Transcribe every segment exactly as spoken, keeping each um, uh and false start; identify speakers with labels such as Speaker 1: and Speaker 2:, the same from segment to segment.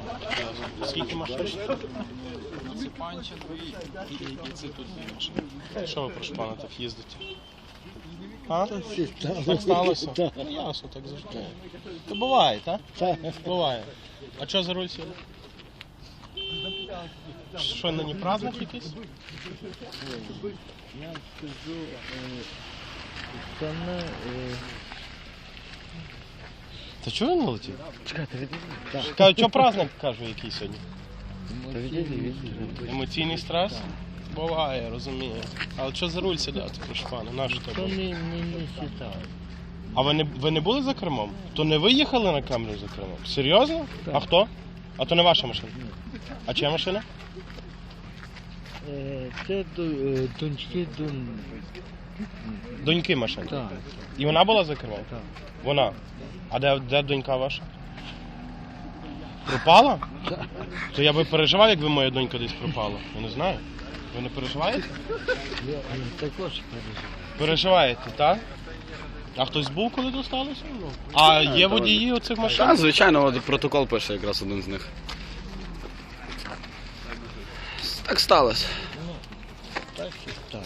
Speaker 1: Скільки машин?
Speaker 2: Це панча дві і це тут дві машини.
Speaker 1: Що ви, прошу пана, так їздите? А? Так сталося? Ну ясно, так завжди. То буває, так? Так. Буває. А що за руль сіли? Що, нині праздник якийсь?
Speaker 3: Я скажу, це не...
Speaker 1: Та чого він не летів?
Speaker 3: Чекайте, відійдіть.
Speaker 1: Кажу, що праздник, кажу, який сьогодні?
Speaker 3: Та відійдіть, відійдіть.
Speaker 1: Емоційний стрес? Буває, розумію. Але що за руль сідати, прошу пана, на що
Speaker 3: То
Speaker 1: тебе?
Speaker 3: не, не, не сідає.
Speaker 1: А ви не, ви не були за кермом? То не ви їхали на камеру за кермом? Серйозно?
Speaker 3: Так.
Speaker 1: А хто? А то не ваша машина? А чия машина?
Speaker 3: Е, Це до- е, доньки дон...
Speaker 1: Доньки машина.
Speaker 3: Так,
Speaker 1: І вона була за кермом?
Speaker 3: так.
Speaker 1: Вона. А де, де донька ваша? Пропала? То я би переживав, якби моя донька десь пропала. Я не знаю. Ви не переживаєте?
Speaker 3: Я е, також переживаю.
Speaker 1: Переживаєте, так? А хтось був, коли то сталося? Ну. А є водії оцих машин?
Speaker 2: Так, звичайно, от протокол пише якраз один з них. Так сталося.
Speaker 3: Так і так.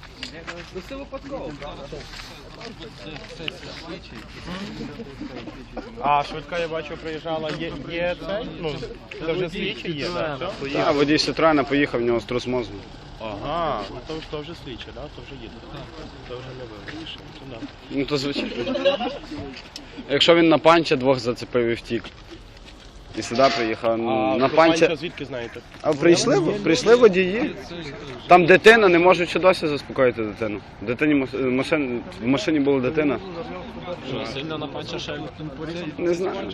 Speaker 1: А швидка, я бачу, приїжджала. Є, є цей? Ну, це вже слідчий є, так? Все?
Speaker 2: Так, водій Сітроена поїхав, в нього струс мозку.
Speaker 1: Ага, ну то, то вже слідчий, так? То вже їде. То вже не ви вирішили. То да.
Speaker 2: Ну то звичайно. Якщо він на панча двох зацепив і втік. І сюди приїхав.
Speaker 1: А
Speaker 2: На
Speaker 1: про
Speaker 2: панча.
Speaker 1: панча звідки знаєте?
Speaker 2: А прийшли, прийшли водії. Там дитина, не можуть ще досі заспокоїти дитину. Дитині маш- машин, в машині була дитина.
Speaker 4: Що, сильно на панча ще
Speaker 2: Не знаю.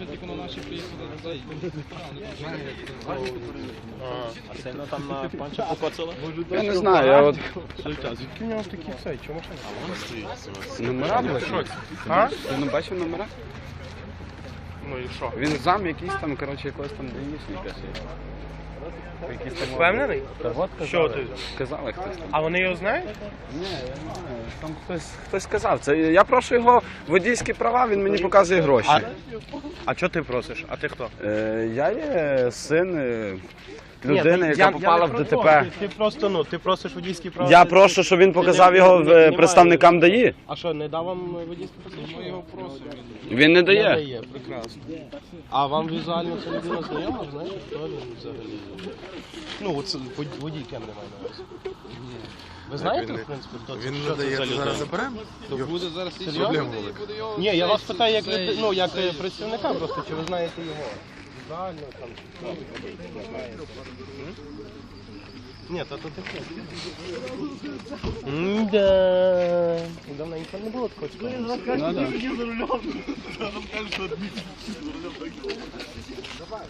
Speaker 4: А сильно там на панча покоцало?
Speaker 2: Я не знаю, я от
Speaker 1: Слухайте, а звідки в нього такі цей? Чому машина?
Speaker 2: номера були.
Speaker 1: А?
Speaker 2: Ти не бачив номера?
Speaker 1: Ну і що?
Speaker 2: Він зам якийсь там, коротше, якогось там даїшника. Якийсь там...
Speaker 1: Впевнений?
Speaker 2: Та от
Speaker 1: Що
Speaker 2: казали.
Speaker 1: ти?
Speaker 2: Казали хтось там.
Speaker 1: А вони його знають?
Speaker 2: Ні, я не знаю. Там хтось, хтось сказав. Це, я прошу його водійські права, він мені показує гроші.
Speaker 1: А, а що ти просиш? А ти хто?
Speaker 2: Е, я є син е,
Speaker 1: Ні,
Speaker 2: людини,
Speaker 1: я-
Speaker 2: яка
Speaker 1: я
Speaker 2: попала
Speaker 1: не
Speaker 2: в
Speaker 1: про то.
Speaker 2: ДТП.
Speaker 1: Ти, ти просто, ну, ти просиш водійські права.
Speaker 2: Я
Speaker 1: ти-
Speaker 2: прошу, щоб він показав
Speaker 1: не-
Speaker 2: його
Speaker 1: не-
Speaker 2: в-
Speaker 1: немає.
Speaker 2: представникам ДАІ.
Speaker 1: А що, не дав вам водійські посвідчення? Ми його просимо.
Speaker 2: Він не
Speaker 1: Не
Speaker 2: дає.
Speaker 1: дає, прекрасно. А вам візуально ця людина знайома? Знаєте, хто він взагалі? Ну, оце вод- водій кем немає на увазі. Ви знаєте, в принципі, хто це?
Speaker 5: Він
Speaker 1: Що
Speaker 5: не
Speaker 1: це
Speaker 5: дає,
Speaker 1: за
Speaker 5: то зараз
Speaker 1: людина?
Speaker 5: заберемо.
Speaker 4: То буде зараз
Speaker 1: Серйозно?
Speaker 5: Проблема велика.
Speaker 1: Ні, я вас питаю як, люди- ну, як е, представника просто, чи ви знаєте його? Візуально, там, чи хто? Не знаєте. М? Ні, то то таке. М-да. Давненько не було такого цікавого.
Speaker 2: Ну, да.